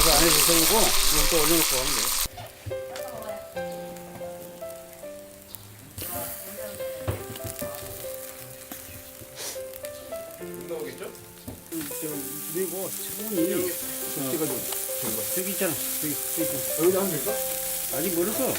안에서 썰고 이걸 또 올려놓고 하면 돼. 나오겠죠? 그리고 차분히 찍어줘. 저기 있잖아. 저기 있잖아. 여기다 하면 될까? 아직 멀었어.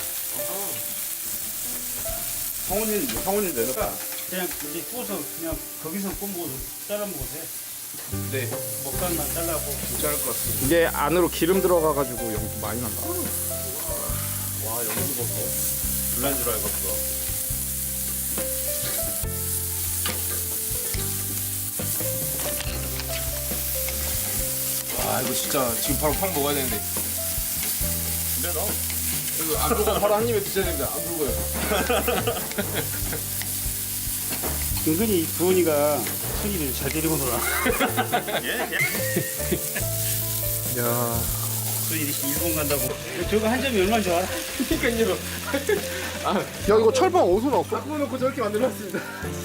상원이 내놓을까? 그냥 이제 구워서 그냥 거기서 굽고 잘라 먹어도 돼. 네. 먹방만 잘라고. 괜찮을 것 같습니다. 이게 안으로 기름 들어가가지고 연기 많이 난다. 와, 여기도 먹고. 불난 줄 알겠어. 와, 이거 진짜 지금 바로 팍 먹어야 되는데. 근데 너? 이거 안 불고 바로 한 입에 드셔야 됩니다. 안 불고요. 은근히 부은이가 손이를 잘 데리고 놀아. 야, 손이 일본 간다고. 저거 한 점이 얼마나 좋아? 그러니까요. 야 이거 철판 어디서 나왔어? 바꿔놓고 저렇게 만들어놨습니다.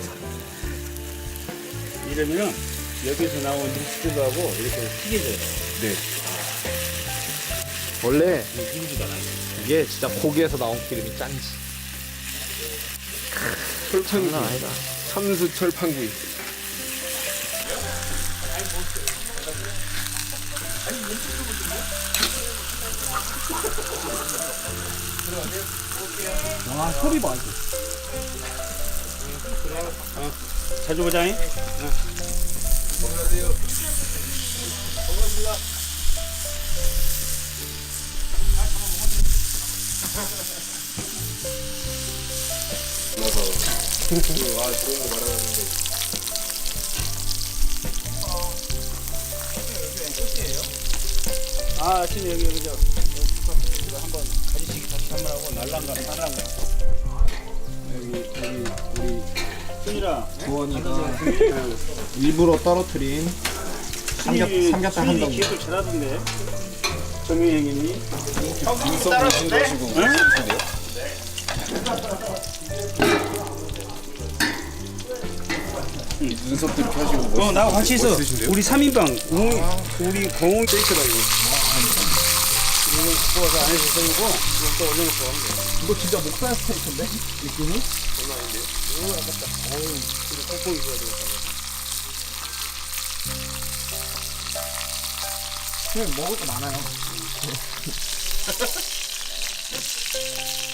이러면은 여기서 나온 육수들하고 이렇게 튀겨져요. 네. 원래 익지도 않아요. 이게 진짜 고기에서 나온 기름이 짠지. 철판구이. 장난 아니다. 참수 철판구이. 와, 소리 봐. 자주 보자잉. 안녕하세요. 반갑습니다. 와, 좋은 거 말하는데. 아, 아침에 여기 이거 한번 가지치기 다시 한번 하고 날랑가 날랑가. 여기 우리 순이라 부원이가 일부러 떨어뜨린 삼겹살 한 덩이. 기획을 잘하던데. 정민 형님이. 눈썹 보신 것이고. 눈썹도 이렇게 하시고. 나하고 같이 있어. 멋있으신데요? 우리 3인방. 우리 공홍 베이크다 이거. 이거 구워서 안에서 썰고 이걸 또 올려놓고 하면 돼. 이거 진짜 목살 스테이크인데? 느낌이? 장난 아닌데요? 이거 아깝다. 이거 꽁꽁 익어야 되겠다. 그냥 먹을 거 많아요.